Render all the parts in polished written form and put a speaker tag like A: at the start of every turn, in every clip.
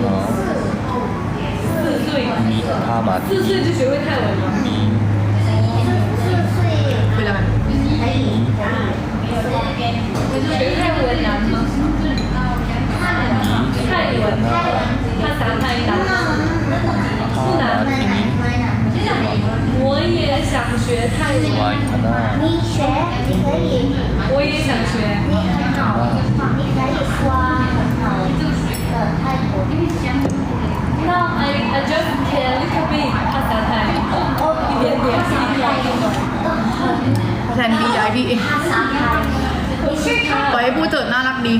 A: 4岁，
B: มีพามา
A: 4岁就学会泰文了。
B: มี
C: คืออะไร
A: 学泰文难吗？泰文，ภาษาไทย难吗？不
B: พามา
A: 难。
B: ที่นี้
A: 我也想学泰
B: สวาย
A: 文，
B: คณะ
D: 你学，你可以，
A: 我也想学。
D: 你很好，你可以说很好的泰国。
A: Now I just can little bit ภาษาไทย一点点，一点点。
C: แทนดีย้ายพี่
D: ภาษาไทย你是
C: ปล่อยให้พูดเถิดน่ารักดี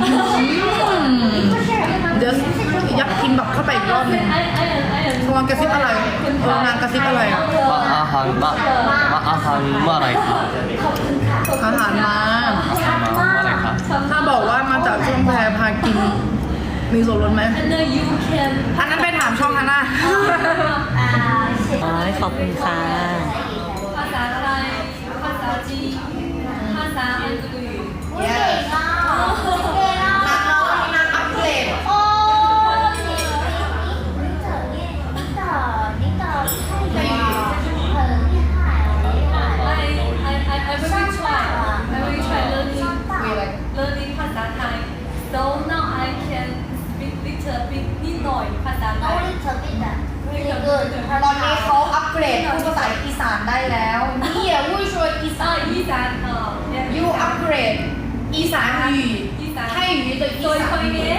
C: เดี๋ยวยักกินแบบเข้าไปอีกรอบหนึง ตะวันกระซิบอะไรนางกระซิบอะไรอ่ะ
B: มาอาหารมาอาหารเมื่อไหรครับ
C: อาหารมา
B: อาหารมาเมื่อไหรครับ
C: ถ้าบอกว่ามาจากช่องแพรพากิน มีส่วนลดไหม
A: And then you can
C: อันนั้นไปถามช่องฮันน่า
E: อ๋อขอบคุณค่ะ
A: ภาษาไทยภาษาจีนภาษาอังกฤษ
D: 我给了，给了。
C: นางอัปเกรด
D: 哦，你的泰语很厉害，很厉害。
A: I will try learning ภาษาไทย so now I can speak little bit นิดหน่อยภาษาไทย
D: Only a bit. Really good.
C: ตอนนี้เขาอัปเกรดพูดภาษาอีสานได้แล้วนี่อ่ะวุ้ยช่วยอีสาน
A: อีสาน
C: ยูอัปเกรดอีสาน语ไทย语的อี
A: ตัว
C: สา
A: คน นนี้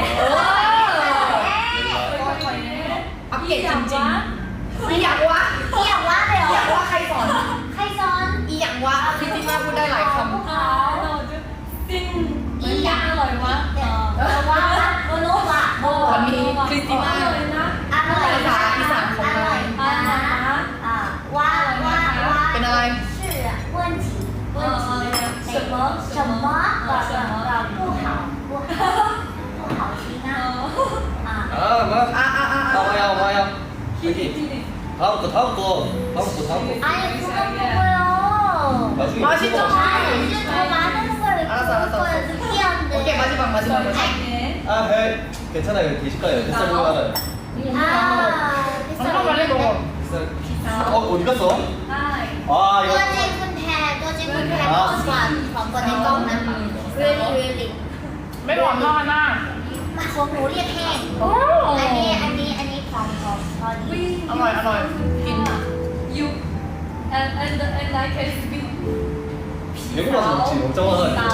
C: อัปเกรดจริงๆอีหยังวะ
D: 你养蛙的
C: อีหยัง
D: 哟。
C: วะใครสอน
D: 开山。
C: อีหยังวะพี่ติ๊กมาพูดได้หลายคำ
A: ซิงอีหยังอร่อยวะ
D: 蛙，我弄蛙。
C: ตอนนี้คริสติน่า
A: เลยนะ
D: อร่อยนะอร่อยนะว่าว่าว่า
C: เป็นอะไร
D: 是问题问题什么什么不好不好不好听啊啊
B: มา
C: อ่ะ
B: เอามาเอามาเอา
A: ที่ที่ที่
B: 다음거다음거다음거
D: 哎呀不能不会哦
C: มาชิโจ
D: 哎是我拿那个是这样
C: โอเคมา
D: 的
C: ชิบังมาชิบัง
B: 아, 네. 괜찮아요. 드실까요? 뱃살 보이면
D: 啊
C: น้องเข้ามาเล่นโกง
B: 어디 갔어?
A: ได้
B: 아,
D: ตัว
B: 이거.
D: จริงคุณแพรตัวจริงคุณแพรของคนในกล้องนะ really really
C: ไม่หวานมากนะ
D: มาของหนูเรียกแห้งอันนี้ของพอดี
C: อร่อยอร่อยกิน
A: you and I can speak
B: 외국 가서 먹지. 먹자마자.
A: เตา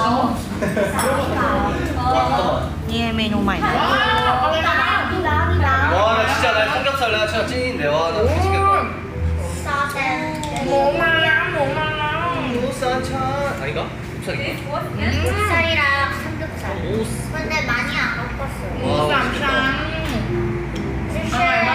B: 잠깐만.
E: นี่เมนูใหม่นะ
C: ว้าวอะไรนะ
D: พี่ร้าว
B: 와, 나 진짜 나 삼겹살 내가 진짜 찐인데. 와, 나 미치겠다.
D: ซอสแดง
C: หมูมาแล้วหมูมาแล้ว
B: 우산차. 아닌가? 우산인가?
D: ไส้รา삼겹살 근데 많이 안 먹었어요
C: หมูสามชั้น
D: 就是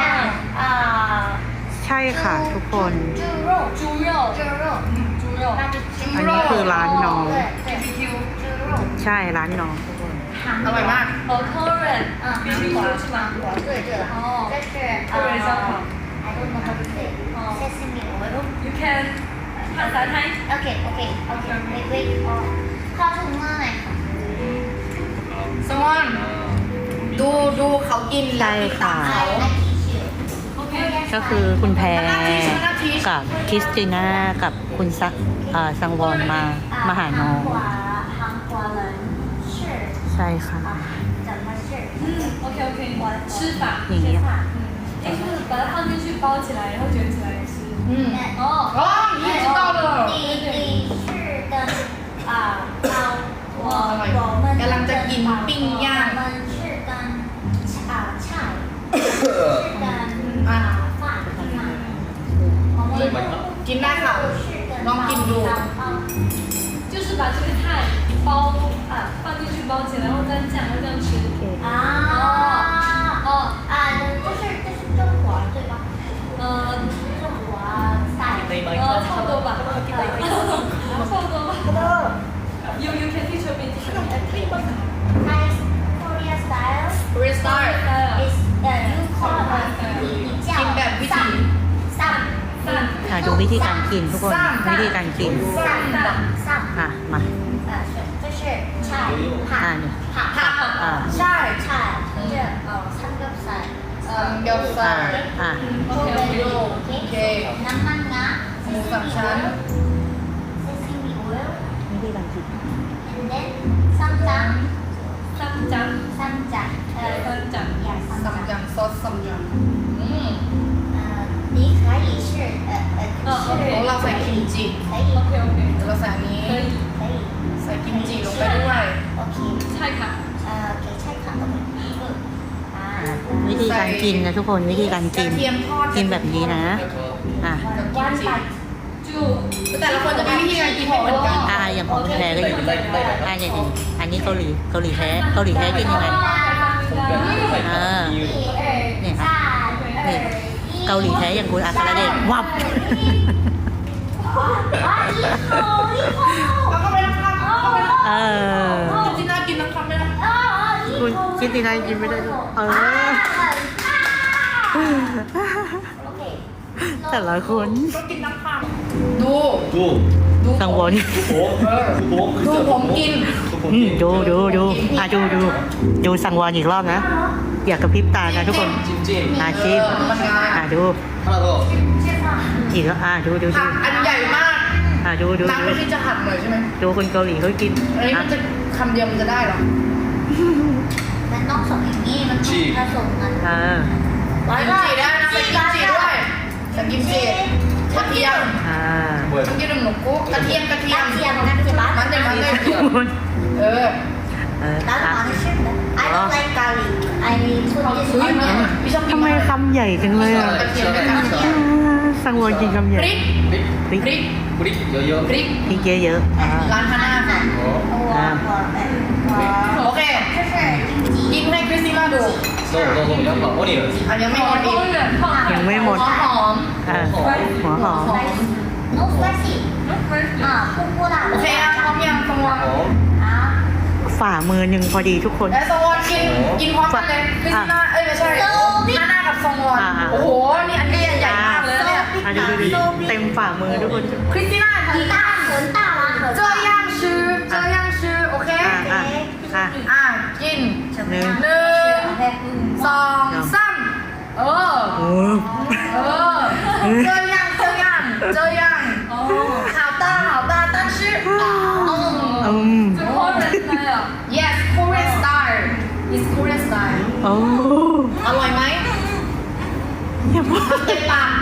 E: ใช่ค่ะทุกคน
D: 猪肉
A: 猪肉
D: 猪肉那就猪
E: อันนี้คือร้านน้อง
D: 对对猪肉
E: ใช่ร้านน้องทุกคน
C: อร่อยมาก
A: Korean
D: 韩国是吗对对
A: 哦
D: 这是
A: Korean 烧烤
D: I don't know how to say sesame oil
A: you can ภาษาไทย
D: Okay wait เข้าถุงมือหน่อยค่ะ
C: สมอนดูเขากินแล้วติดตามเขา
A: โอเค
E: ก็คือคุณแพรกับคริสติน่ากับคุณสังวรมาหาน้อง
D: 韩国人是
E: ใช่ค่ะ
D: 怎么是
A: OK 吃法
E: อย่างเงี้ย
A: 就是把它放进去包起来然后卷起来吃
C: อืม
A: 哦
C: อ๋อนี่知道了
D: 你是跟我们
C: กำลังจะกินปิ้งย่าง
D: 我们是跟菜是跟饭是吗
B: 너무 맛있나?
C: กินได้ค่ะ
D: 是跟
C: ลองกินดู
A: 就是把这个菜包放进去包起来然后蘸酱然后这样吃
D: 这是中国对吧中国菜
A: 差不多吧差不多吧you can teach me
D: Thai Korea style
C: Korean style
D: is you call 你叫
C: กินแบบวิถี
E: ค่ะดูวิธีการกินทุกคนวิธีการกิน
D: 上
E: ค่ะมา
D: 这是菜
E: อ่านี่
D: ผัก
E: อ่า
C: ใช่
D: 菜这三个菜
C: สา
E: อ่า
C: Okay.
D: น้ำมันงา
C: หมูสามชั้น
D: sesame oil
E: วิธีการกิน
D: and then ซัมจัง
A: 쌈장
D: ซัมจัง
A: 쌈장
D: อย่าซัม
C: ซัม
D: จัง
C: จังซอสซัมจัง
D: 你可以是
C: ของเราใส่กิมจิ
D: 可以
A: OK OK
C: เราใส่อันนี้
A: 可以
D: 可以
C: ใส่กิมจิลงไปด้วย
D: OK
A: 찰칵
D: 给菜卡 OK
E: วิธีการกินนะทุกคนวิธีการ
C: ก
E: กิ
C: ระ
E: น
C: เทียมทอด
E: กินแบบนี้นะ อ่ะ
D: one bite
A: 쭉
C: แต่ละคนจะมีวิธีการกินไม่เหมือนกัน
E: อย่างของแท้ก็อยู่
B: ไล่ไล่
E: อย่างนี้อันนี้เกาหลีแท้กินยังไง
A: 감사합니다
D: 1 2
E: เนี่ย
D: 3
E: นี่ เกาหลีแท้อย่างคุณอาคาราเดชวับ
C: แล้วก็ไปน้ำข้าวเข้าไปน้ำ
E: เออ
C: กินน่ากินน้ำข้าวไม่ได้
E: คุณคิดดีนายกินไม่ได้ด้วยเออ แต่ละคน
C: ก็กินน้ำข้าวดู
B: 두
E: สังวร
C: ดูผมกิน
E: ดู อ่ะดูสังวรอีกรอบนะ อย่ากระพริบตานะทุกคน
B: 찜찜
E: ชิม
C: มันงา
E: ดู
B: 하나 더
E: อีกแล้วดู
C: ผักอันใหญ่มาก
E: ดู
C: น้ำไม่ที่จะหั่นหน่อยใช่ไหม
E: ดูคนเกาหลีเขากิน
C: อันนี้มันจะคำเดียวมันจะได้หรอ
D: มันต้องส่งอย่างนี้มันต้องผสมกัน
E: เออ
C: กิมจิได้นะใส่กิมจิด้วยใส่กิมจิกระเทียม
B: 뭐야
C: ต้องกินหนูกุ๊กกระเทียม
D: กระเทียมมันจะ
C: มันเลยเออ
D: 然后好像是的 I don't like garlic I put this
C: อุ้ย
D: onion
C: พี่ชอบกิน
E: ทำไมคำใหญ่จังเลยอ่ะ
C: กระเทียมด้วยกัน
E: สังวรกินคำให
C: พ
E: ญ่
C: ริก
E: พริก
C: พริก
B: 뿌리 여여
C: พริก
E: พริกเยอะๆ
C: ร้านฮาน่าค่ะ โอเค กินให้คริสติน่าดู
B: 너너 양파 어니언
C: อันยังไม่หมดอีก
E: ยังไม่หมด
C: หอม
E: หัวหอม
D: no spicy 不辣
C: โอเคอ่ะพร้อมยังสวอน
B: 어
E: ฝ่ามือหนึ่งพอดีทุกคน
C: แล้วสวอนกินพร้อมกันเลยคริสติน่าไม่ใช่ฮาน่ากับสวอนโอ้โห นี่อันนี้ใหญ่มากเลยเนี่ย
E: ดูเต็มฝ่ามือทุกคน
C: คริสติน่า
D: 很大很大吗
C: 这样吃这样吃โอเค กิน
E: หนึ่ง
C: สองสามเออ这样好的但是yes Korean style is Korean style
E: โอ้
C: อร่อยไหม
E: อย่าบอก
C: เต็มปาก